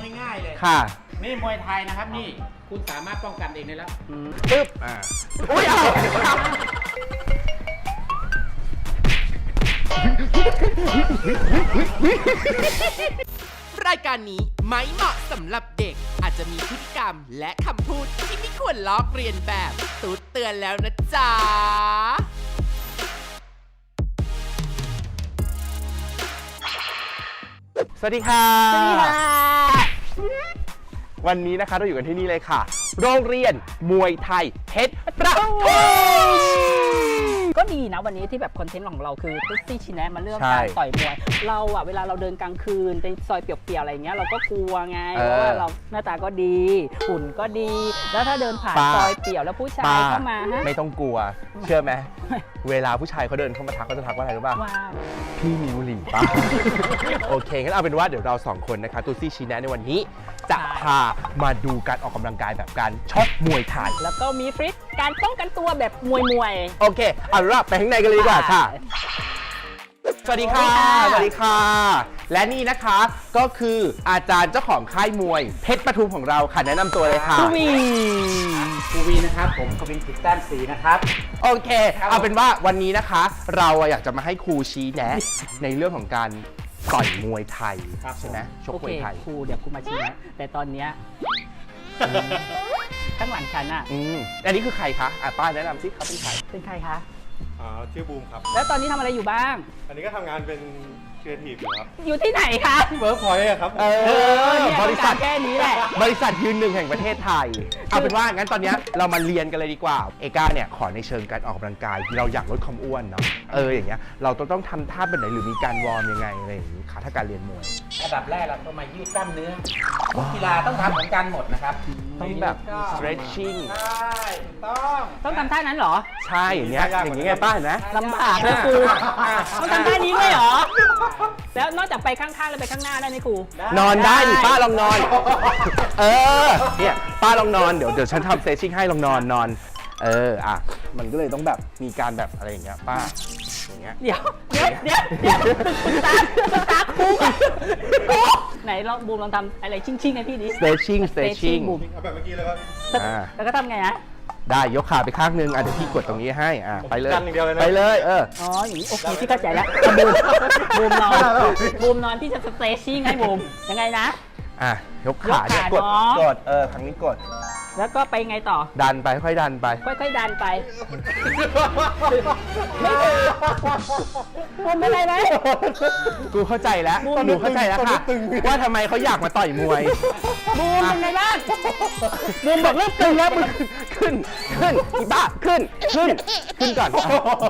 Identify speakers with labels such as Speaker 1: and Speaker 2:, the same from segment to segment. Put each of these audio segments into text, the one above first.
Speaker 1: ง่ายๆเลย
Speaker 2: ค่ะ
Speaker 1: นี่มวยไทยนะครับนี่คุณสามารถป้องกันเองได้แล้ว
Speaker 2: ปึ๊บอุ้ยเอา
Speaker 3: รายการนี้ไม่เหมาะสำหรับเด็กอาจจะมีพฤติกรรมและคำพูดที่ไม่ควรลอกเรียนแบบตูดเตือนแล้วนะจ๊ะ
Speaker 2: สวัสดีค่ะ วันนี้นะคะเราอยู่กันที่นี่เลยค่ะ โรงเรียนมวยไทยเพชรประทุม
Speaker 4: ก็ดีนะวันนี้ที่แบบคอนเทนต์ของเราคือตุ๊กซี่ชิแนะมาเรื่องการต่อยมวยเราอะเวลาเราเดินกลางคืนในซอยเปียกๆอะไรเงี้ยเราก็กลัวไงเพราะว่าเราหน้าตาก็ดีหุ่นก็ดี แล้วถ้าเดินผ่านซอยเปียกแล้วผู้ชายเข้ามาฮะ
Speaker 2: ไม่ต้องกลัวเชื่อไหมเวลาผู้ชายเขาเดินเข้ามาทักเขาจะทักว่าอะไรรู้ป่ะพี่มีบุหรี่ป่ะ โอเคงั้นเอาเป็นว่าเดี๋ยวเรา2คนนะคะตุ๊กซี่ชิแนะในวันนี้จะพามาดูการออกกำลังกายแบบการชกมวยไทย
Speaker 4: แล้วก็มีฟริตการป้องกันตัวแบบมวย
Speaker 2: โอเคเอาล่ะไปข้างในกันเลยดีกว่าค่ะสวัสดีค่ะสวัสดีค่ะและนี่นะคะก็คืออาจารย์เจ้าของค่ายมวยเพชรปทุมของเราค่ะแนะนำตัวเลยค่ะ
Speaker 4: ครู
Speaker 1: วีนะครับผมกวินจิตแต้มศรีนะครับ
Speaker 2: โอเคเอาเป็นว่าวันนี้นะคะเราอยากจะมาให้ครูชี้แนะในเรื่องของการต่อยมวยไทยใช่ไหมชกมวยไทย
Speaker 4: ครูเดี๋ยวครูมาชี้นะแต่ตอนเนี้ยข้างหลังฉันอ่ะ
Speaker 2: อันนี้คือใครคะป้าแนะนำสิเขาเป็นใคร
Speaker 4: เป็นใครคะ
Speaker 5: ชื่อบูมครับ
Speaker 4: แล้วตอนนี้ทำอะไรอยู่บ้าง
Speaker 5: อันนี้ก็ทำงานเป็นครีเอทีฟอยู่ครับ
Speaker 4: อยู่ที่ไหนคะ
Speaker 5: เวิร์กพอยต์ครับ
Speaker 4: บริษัทแค่นี้แหละ
Speaker 2: บริษัทยืนหนึ่งแห่งประเทศไทยเอาเป็นว่างั้นตอนนี้เรามาเรียนกันเลยดีกว่าเอก้าเนี่ยขอในเชิงการออกกำลังกายเราอยากลดความอ้วนเนาะอย่างเงี้ยเราต้องทำท่าแบบไหนหรือมีการวอร์มยังไงอะไรอย่างงี้ค่ะถ้าการเรียนมวย
Speaker 1: อันดับแรกเราต้องมายืดกล้ามเนื้อทุกกีฬาต้องทำเหมือนกันหมดนะครับ
Speaker 2: ต้องแบบ stretching
Speaker 1: ใช่ถูกต้อง
Speaker 4: ทำท่านั้นเหรอ
Speaker 2: ใช่อย่างเงี้ยไงป้าเห็นไหม
Speaker 4: ลำบากเลยครูต้องทำท่านี้ด้วยเหรอแล้วนอกจากไปข้างๆแล้วไปข้างหน้าได้ไหมครู
Speaker 2: นอนได้ดิป้าลองนอนเนี่ยป้าลองนอนเดี๋ยวฉันทำเซสชิ่งให้ลองนอนมันก็เลยต้องแบบมีการแบบอะไรอย่างเงี้ยป้าอย่างเงี้ย
Speaker 4: เดี๋ยวคุณตาครูไหนลองบูมลองทำอะไรชิ่งให้พี่ดิ
Speaker 2: stretching
Speaker 4: บูม
Speaker 5: แบบเมื่อกี้เลยครับ
Speaker 4: แล้วก็ทำไงฮะ
Speaker 2: ได้ยกขาไปข้างนึงเดี๋ยวพี่กดตรงนี้ให้ไปเลย
Speaker 5: ไป
Speaker 2: เลย
Speaker 4: อ๋ออย่างนี้โอเคพี่เข้าใจแล้วบูมนอนพี่จะสเตรชชิ่งให้บูมยังไงนะ
Speaker 2: ยกขาเนี่ยกดครั้งนี้กด
Speaker 4: แล้วก็ไปไงต่อ
Speaker 2: ดันไปค่อยดันไป
Speaker 4: ค่อยดันไปบูมเป็นไรไหม
Speaker 2: กูเข้าใจแล้วหนูเข้าใจแล้วค่ะว่าทำไมเขาอยากมาต่อยมวย
Speaker 4: บูมเป็นไงบ้าง
Speaker 2: บูมบอกเริ่มตึงแล้วขึ้นอีบ้าขึ้นก่อน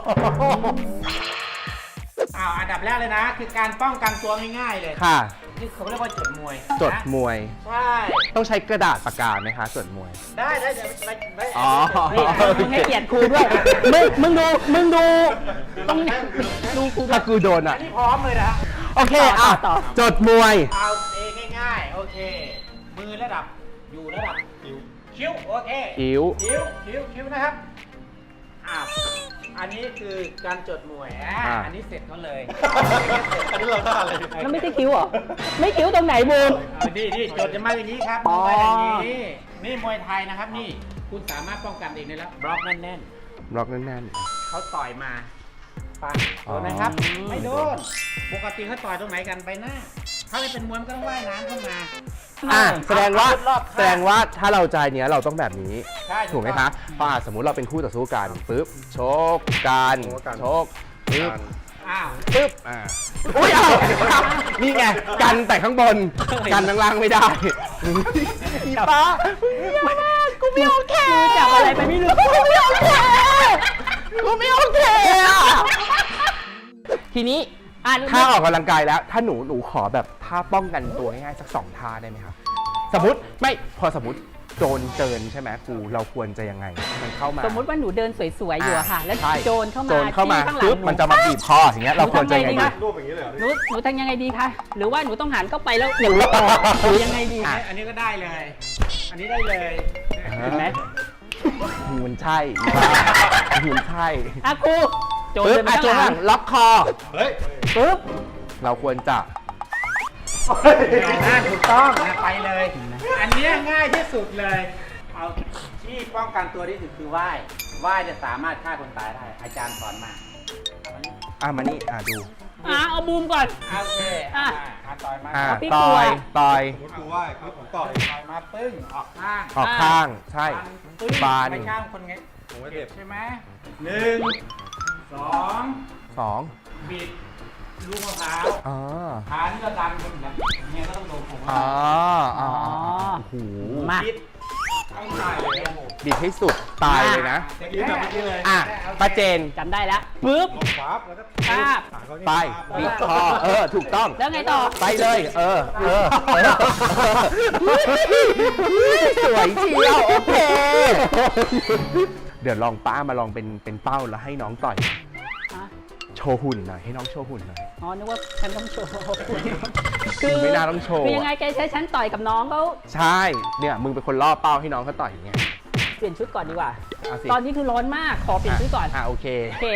Speaker 1: อันดับแรกเลยนะคือการป้องกันตัวง่ายๆเลย
Speaker 2: ค่ะ
Speaker 1: นี่เขาเรียกว่าจดมวย
Speaker 2: ใช่ต้องใช้กระดาษปากกาไหมคะจดมวย
Speaker 1: ได้เดี๋ยวไม่
Speaker 4: มึงให้เกียรติครูด้วยมึงดูต้องดูครู
Speaker 2: ถ้ากูโดน
Speaker 1: อันนี้พร้อมเลยนะ
Speaker 2: โอเคต่อจดมวย
Speaker 1: เอาง่ายๆโอเคมือระดับอยู่ระดับคิ้วโอเค
Speaker 2: คิ้
Speaker 1: วนะครับอันนี้คือการจดมวยอันนี้เสร็จก็เลย
Speaker 5: อันนี้เราท่าอะไร
Speaker 4: แล้วไม่ใช่คิ้วเหรอไม่คิ้วตรงไหนบูม
Speaker 1: นี่จดจะมาอย่างนี้ครับมาอย่างนี้นี่มวยไทยนะครับนี่คุณสามารถป้องกันเองได้แล้วบล็อกแน่นเขาต่อยมาปังโดนไหมครับไม่โดนปกติเขาต่อยตรงไหนกันไปหน้าถ้าไม่เป็นมวยมันก็ต้องว่ายน้ำเข้ามา
Speaker 2: แสดงว่าถ้าเราใจเนี้ยเราต้องแบบนี้ถูกไหมคะพอสมมุติเราเป็นคู่ต่อสู้กันปึ๊บชกกันชกปึ๊บอุ้ยนี่ไงกันแต่ข้างบนกันข้างล่างไม่ได้อีป้า
Speaker 4: กูไม่โอเคจับอะไรไปไม่รู้กูไม่โอเค
Speaker 2: ทีนี้ถ้าออกกำลังกายแล้วถ้าหนูขอแบบท่าป้องกันตัวง่ายๆสัก2ท่าได้ไหมครับสมมติโจรเจินใช่ไหมครูเราควรจะยังไงมันเข้ามา
Speaker 4: สมมติว่าหนูเดินสวยๆอยู่ค่ะแล้วโจรเข้ามา
Speaker 2: ปึ๊บมันจะมาบีบคออย่างเงี้ยเราควรจะยังไงดี
Speaker 5: รูปอย่างนี้เลย
Speaker 4: หนูทำยังไงดีคะหรือว่าหนูต้องหันเข้าไปแล้วหนูยังไงดี
Speaker 1: อันนี้ก็ได้เลยอันนี้ได้เลย
Speaker 4: เห็นไหม
Speaker 2: มันใช่
Speaker 4: ครู
Speaker 2: โจรล็อกคอ
Speaker 4: ปึ๊บ
Speaker 2: เราควรจะ
Speaker 1: ถูกต้องนะไปเลย อันเนี้ยง่ายที่สุดเลย เอาที่ป้องกันตัวที่สุดคือว่ายจะสามารถฆ่าคนตายได้ อาจารย์สอนมาเอามานี่
Speaker 2: มานี่ดู
Speaker 4: เอาบูมก่อน
Speaker 1: โอเคต่อยมา
Speaker 4: พี่
Speaker 2: ต่
Speaker 4: กลัว
Speaker 2: อยต่อย
Speaker 5: สมมติกูว่าคือผมต่อย
Speaker 1: ต่อยมาปึ้งออกข้าง
Speaker 2: ออกข้างใช่
Speaker 1: ปึ้ง
Speaker 2: บาน
Speaker 1: ไปข้างคนไง
Speaker 5: ผมว่าเจ็บ
Speaker 1: ใช่ไหม1 2
Speaker 2: 2
Speaker 1: บิดลูกมะพร้าว
Speaker 2: อ๋อ
Speaker 1: ขานี่ก็ดันคนแบบเนี่ยก็ต้องโดนผม
Speaker 2: อ๋ออ๋อโอ้โห
Speaker 4: มา
Speaker 1: บิดต้องตายเลยครับผม
Speaker 2: บิดให้สุดตายเลยนะ
Speaker 5: อย่างนี้แบบเมื่อกี้เลย
Speaker 2: อ่ะป้าเจน
Speaker 4: จำได้แล้วปึ๊บ
Speaker 5: ลงปั๊บแล้วก็
Speaker 4: ปั๊บ
Speaker 5: ขาเขานี่
Speaker 2: ไปบิดคอถูกต้อง
Speaker 4: แล้วไงต่อ
Speaker 2: ไปเลยสวยเชียวโอเค เดี๋ยวลองป้ามาลองเป็นเป้าแล้วให้น้องต่อย
Speaker 4: อ่ะ
Speaker 2: โชว์หุ่นหน่อยให้น้องโชว์หุ่นหน่อย
Speaker 4: อ๋อนึกว่าฉันต้องโชว์
Speaker 2: ไม่น่าต้องโชว์
Speaker 4: คือยังไงแกใช้ฉันต่อยกับน้องเขา
Speaker 2: ใช่เนี่ยมึงเป็นคนล่อเป้าให้น้องเขาต่อยอย่างเงี้ย
Speaker 4: เปลี่ยนชุดก่อนดีกว่า
Speaker 2: เอาสิ
Speaker 4: ตอนนี้คือร้อนมาก ขอเปลี่ยนชุดก่อน
Speaker 2: โอเค
Speaker 4: โอเค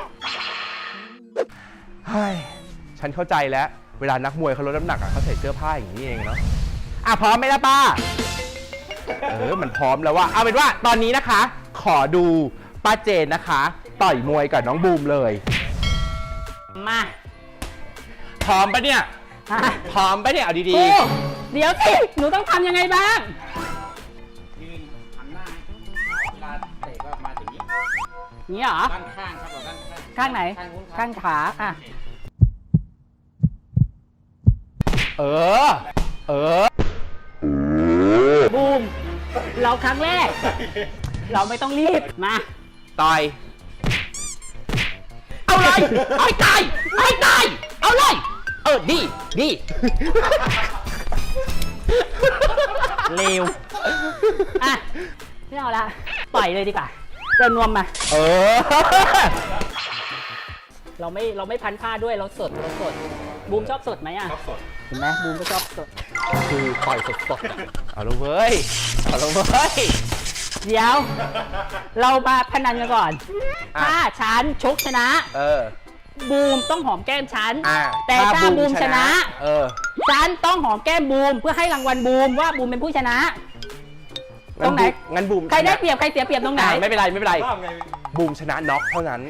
Speaker 2: เฮ้ยฉันเข้าใจแล้ว เวลานักมวยเขาลดน้ำหนักเขาใส่เสื้อผ้าอย่างนี้เองเนาะพร้อมไหมล่ะป้า มันพร้อมแล้วว่าเอาเป็นว่าตอนนี้นะคะ ขอดูป้าเจนนะคะ ต่อยมวยกับน้องบูมเลย
Speaker 4: มา
Speaker 2: พร้อมปะเนี่ย
Speaker 4: อ่ะ
Speaker 2: พร้อมปะเนี่ยเอาดี
Speaker 4: ครูเดี๋ยวสิ หนูต้องทำยังไงบ้าง
Speaker 1: ยืนหันหน้าเวลาเตะก็มาถึงนี้
Speaker 4: นี่เหรอ
Speaker 1: ด้านข้างครับเราด้านข้าง
Speaker 4: ข้างไหน
Speaker 1: ข้างนู้นครับ
Speaker 4: ข้างขาอ่ะ
Speaker 2: ๆ เออ
Speaker 4: บูม เราครั้งแรก เราไม่ต้องรีบ มา
Speaker 2: ต่อย เอาเลยเอาให้ตายเอาเลย ดี
Speaker 4: เร็ว อ่ะ ไม่เอาละ ปล่อยเลยดีกว่าเดินนวมมา เราไม่พันผ้าด้วย เราสด บูมชอบสดไหมอ่ะ
Speaker 5: ชอบสด
Speaker 4: เห็นไหมบูมก็ชอบสด
Speaker 2: คือต่อยสดๆเอาละเว้ย
Speaker 4: เดี๋ยว เรามาพนันกันก่อน
Speaker 2: อ่ะ
Speaker 4: ถ้าฉันชกชนะ บูมต้องหอมแก้มฉัน แต่ถ้าบูมชนะ ฉันต้องหอมแก้มบูมเพื่อให้รางวัลบูมว่าบูมเป็นผู้ชนะ ตรงไหน
Speaker 2: งั้นบูม
Speaker 4: ใครได้เปรียบใครเสียเปรียบตรงไหน
Speaker 2: ไม่เป็นไร
Speaker 5: รอบไง
Speaker 2: บูมชนะน็อกเท่านั้น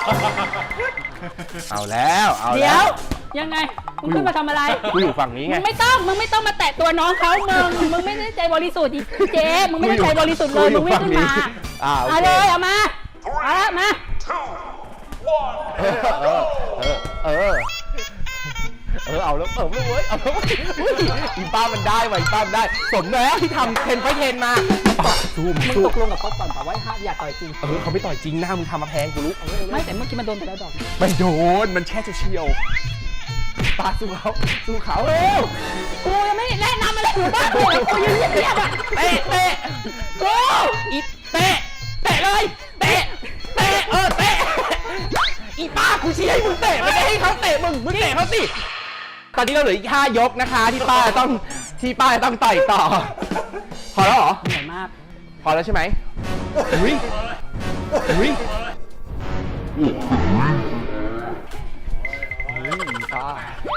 Speaker 2: เอาแล้ว
Speaker 4: เดี๋ยว ยังไง มึงขึ้นมาทำอะไร
Speaker 2: กูอยู่ฝั่งนี้
Speaker 4: มึ
Speaker 2: ไง
Speaker 4: งไม่ต้องมาแตะตัวน้องเขามึงไม่ได้ใจบริสุทธิ์อีเจ๊มึงไม่ได้ใจบริสุทธิ์เลย มึงวิ่งขึ้นมา
Speaker 2: โอ
Speaker 4: เอา
Speaker 2: เค
Speaker 4: เลยเอามาเอาละมา
Speaker 2: เอาแล้วเว้ยอีป้ามันได้ว่ะอีป้ามันได้ สมแล้วที่ทำเทนไฟเทนมาซูม
Speaker 4: มึงตกลงกับเขาก่อนป่ะว่าอย่าต่อยจริง
Speaker 2: เขาไม่ต่อยจริงหน้ามึงทำมาแพงกูรู้
Speaker 4: ไม่แต่เมื่อกี้มันโดนไปแล้วดอก
Speaker 2: ไม่โดน มันแค่เฉียวๆป้าสู้เขาเร็ว
Speaker 4: กูยังไม่แนะนำอะไรหนูบ้างเลยกูยืนเงียบๆอ่ะ
Speaker 2: เตะกูอีเตะเลยเตะอีป้ากูชี้ให้มึงเตะไม่ได้ให้เขาเตะมึงเตะเขาสิตอนนี้เราเหลืออีก5 ยกนะคะ ที่ป้าต้องต่อยต่อ พอแล้วเหรอ
Speaker 4: เหนื่อยมาก
Speaker 2: พอแล้วใช่ไหมอุ้ยป้า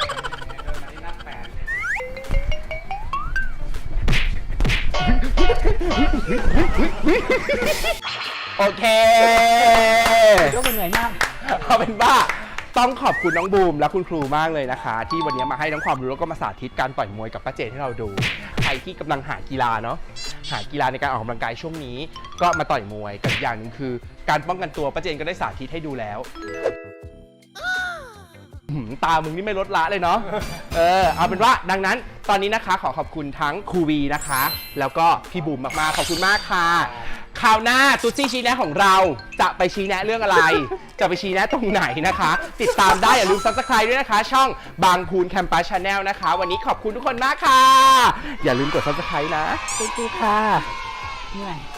Speaker 2: โอเค
Speaker 4: ยกเป็นเหนื่อยมาก
Speaker 2: เอาเป็นว่าต้องขอบคุณน้องบูมและคุณครูมากเลยนะคะ ที่วันนี้มาให้ทั้งความรู้แล้วก็มาสาธิตการต่อยมวยกับป้าเจนให้เราดู ใครที่กำลังหากีฬาเนาะหากีฬาในการออกกำลังกายช่วงนี้ ก็มาต่อยมวยกับอีกอย่างหนึ่งคือ การป้องกันตัวป้าเจนก็ได้สาธิตให้ดูแล้วตามึงนี่ไม่ลดละเลยเนาะเอาเป็นว่าดังนั้นตอนนี้นะคะขอขอบคุณทั้งครูวีนะคะ แล้วก็พี่บูมมากๆขอบคุณมากค่ะคราวหน้าตุ๊ซี่ชี้แนะของเราจะไปชี้แนะเรื่องอะไร จะไปชี้แนะตรงไหนนะคะ ติดตามได้อย่าลืม Subscribe ด้วยนะคะ ช่องบางพูนแคมปัสชาแนลนะคะ วันนี้ขอบคุณทุกคนมากค่ะ อย่าลืมกด Subscribe นะ
Speaker 4: ขอบคุณค่ะเหนื่อย